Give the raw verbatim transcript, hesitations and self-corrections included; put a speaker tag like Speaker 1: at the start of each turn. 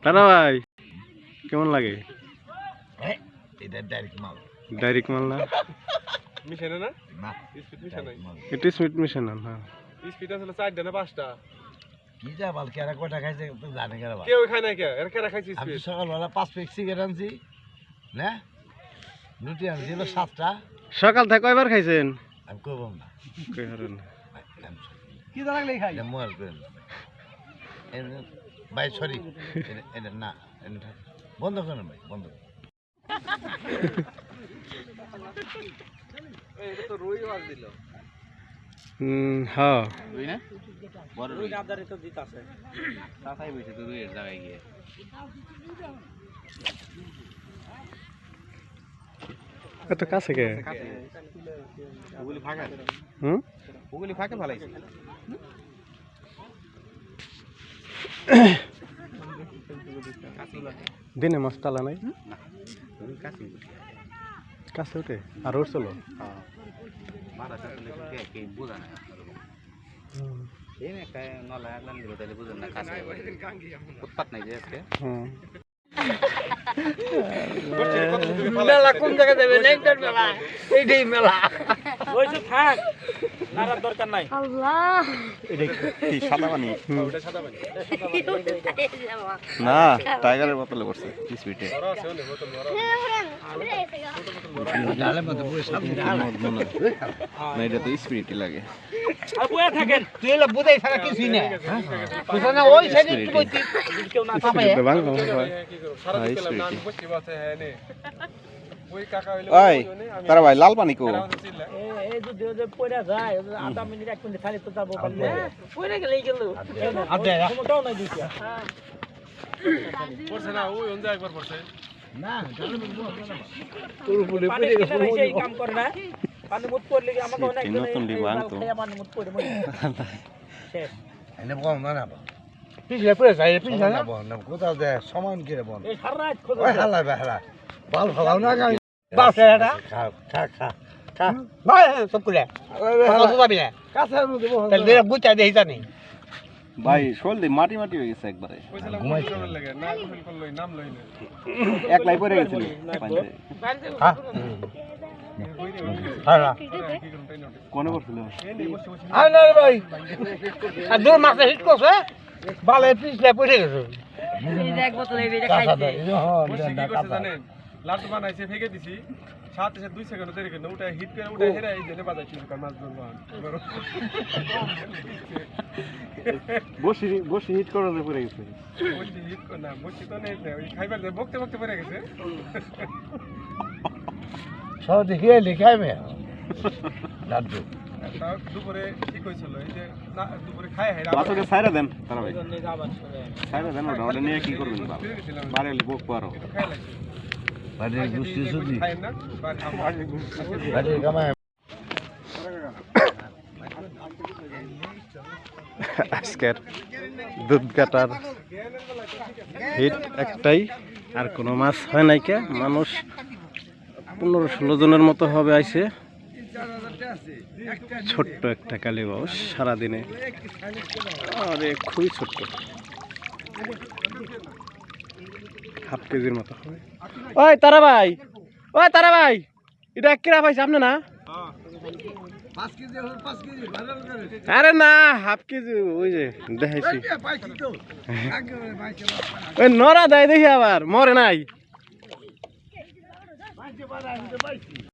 Speaker 1: তারা ভাই কেমন লাগে?
Speaker 2: এটা ডাইরেক্ট মাল।
Speaker 1: ডাইরেক্ট মাল না?
Speaker 3: মিশানো না?
Speaker 2: না,
Speaker 3: স্পিড মিশানো।
Speaker 1: এটা স্পিড মিশন না। হ্যাঁ।
Speaker 3: স্পিড আসলে চারটা না পাঁচটা?
Speaker 2: কি যা বাল কেরা কয়টা খাইছে তো জানে কেরা বাল।
Speaker 3: কেউ খায় না কে? এর কেরা খাইছে
Speaker 2: আমি
Speaker 3: স্পিড?
Speaker 2: সকালবেলা পাঁচ প্যাক সিগারেট আনছি, না রুটি আনছি হলো সাতটা।
Speaker 1: সকাল থেকে কয়বার খাইছেন?
Speaker 2: আমি করবো না।
Speaker 1: কই হারেন?
Speaker 3: কি জানালে খাই?
Speaker 2: এটা মোয়ার করেন ভাই, সরি এটা না, এটা বন্ধ করেন ভাই, বন্ধ করেন।
Speaker 3: এই এটা তো রুই মাছ দিল।
Speaker 1: হুম, হ্যাঁ।
Speaker 4: রুই না? বড় রুই না আদারে তো দিতে আছে। তাতাই বইছে তো রুইয়ের জায়গায় গিয়ে।
Speaker 1: এত কাছে কে?
Speaker 4: ওগুলি ফাঁকা।
Speaker 1: হুম?
Speaker 4: ওগুলি ফাঁকে ভালাইছে।
Speaker 1: দিনে মাছ তালা নাই?
Speaker 4: না। ওগুলি কাছে।
Speaker 1: কাছে উঠে আর উঠছিল?
Speaker 4: হ্যাঁ। মারা চাইলে কে কে বুঝা না। এই না কায় নলা লান দিল তাহলে বুঝেন না কাছে। উৎপাত নাই যে আজকে।
Speaker 1: হুম।
Speaker 3: মেলা কোন জায়গা যাবে? নেকটার মেলা। এইটাই মেলা।
Speaker 4: ওইসব থাক। নারার দরকার নাই।
Speaker 5: আল্লাহ
Speaker 1: এটা কি সাদা পানি?
Speaker 3: ওটা সাদা পানি।
Speaker 1: না, টাইগারের বোতলে পড়ছে স্পিডে।
Speaker 3: বড় আছে ওনে বোতল বড়।
Speaker 2: ডালের মধ্যে বসে সামনে
Speaker 1: না, এটা তো স্পিরিটই লাগে।
Speaker 4: আর বয়া থাকেন।
Speaker 2: তুই এলা বুঝাই ছাড়া কিছুই না। বুঝা না ওই সাইডে কি কইতি
Speaker 4: কেউ না পাবে।
Speaker 1: স্পিরিটে বাংলা
Speaker 3: কি
Speaker 1: হয়।
Speaker 3: করব? সারা দিন পেলাম না, আমি বসে বসে হ্যাঁ নে। ওই কাকা হইলো
Speaker 1: ওই তারা ভাই লাল পানি কো?
Speaker 4: এই যদি ওই পড়া যায় আধা মিনিট এক মিনিট খালি তো যাবো পারলে পড়ে গেলেই গেল আদে কোনটাও নাই দিছি
Speaker 3: পড়ছে না, ওই অন্ধ একবার পড়ছে।
Speaker 2: না, ডালের মধ্যে
Speaker 4: তোর উপরে পড়ে গেছে সেই কাম করে না পানি মুত পড়লে কি আমাকে অনেক
Speaker 1: নতুন ডিবাং তো।
Speaker 4: পানি মুত পড়ে মরে শেষ
Speaker 2: এনে বল না না। পিছলে পড়ে যায়, পিছলে না বল না, কোথাও যায় সমান করে বল।
Speaker 4: এই সারা রাত খোঁজ
Speaker 2: ওই হালা বেহালা বাল ফালাও না গাই।
Speaker 4: বাস এটা
Speaker 2: খা খা খা
Speaker 4: খা ভাই সব করে কত যাবি না
Speaker 2: কাছের মধ্যে বল।
Speaker 4: তাহলে দেখ বুঝা দেই জানি
Speaker 1: ভাই শোল মাটি মাটি হয়ে গেছে একবারে।
Speaker 3: কইছিলাম ঘুমাইছিলাম লাগে না, গোসল করলই নাম লই না।
Speaker 1: একলাই পড়ে গেছিল পানিতে।
Speaker 2: হ্যাঁ হালা
Speaker 3: কি করব তাই না?
Speaker 1: কোনে পড়ছিল?
Speaker 3: এই নে বসে বসে
Speaker 2: আয় না রে ভাই।
Speaker 4: আর দূর মাছে হিট করছে বালে পিছলে পড়ে গেছে
Speaker 5: এক বোতল এই বেটা
Speaker 2: কাঁচা
Speaker 5: খাইছে
Speaker 2: দে হ্যাঁ
Speaker 3: বসে কি
Speaker 2: না
Speaker 3: করছে
Speaker 2: কাঁচা।
Speaker 3: জানেন? লাটু বানাইছে ফেকে দিছি। সাথে সাথে দুই সেকেন্ড দেরি করে উঠে হিট করে উঠে হেরা এই জেনে বাজাইছিল কার মাছ ধরবো।
Speaker 1: বসি বসি হিট করে পড়ে গেছে।
Speaker 3: বসে হিট করে না, বসে তো নেই, ওই খাইবার দিয়ে বকতে বকতে পড়ে গেছে।
Speaker 2: সব দেখিয়ে লিখাই মে লাড্ডু।
Speaker 3: তাও দুপুরে ঠিক হয়েছিল, এই যে না দুপুরে খায় হেরা
Speaker 1: বাসকে ছাইরা দেন তারা ভাই। ছাইরা দেন ওটা, ওটা নিয়ে কি করবেন বাবা? বারে বক পারো।
Speaker 3: খাই লাগছে।
Speaker 2: বাড়ি গুষ্টি সুদি
Speaker 3: খায় না, বাড়ি খায়।
Speaker 2: বাড়ি কামায়।
Speaker 1: আজকের দুধ কাটার হিট একটাই, আর কোনো মাছ হয় নাই কে। মানুষ পনেরো ষোলো জনের মতো হবে আইছে। ছোট্ট একটা কালীবাউস সারাদিনে, আরে খুবই ছোট্ট, হাফ কেজির মতো হবে। ওই তারা ভাই, ওই তারা ভাই, এটা কিরা পাইছে আপনি না? আরে না, হাফ কেজি ওই যে দেখাইছি। ওই নরা দেয় দেখি আবার মরে নাই।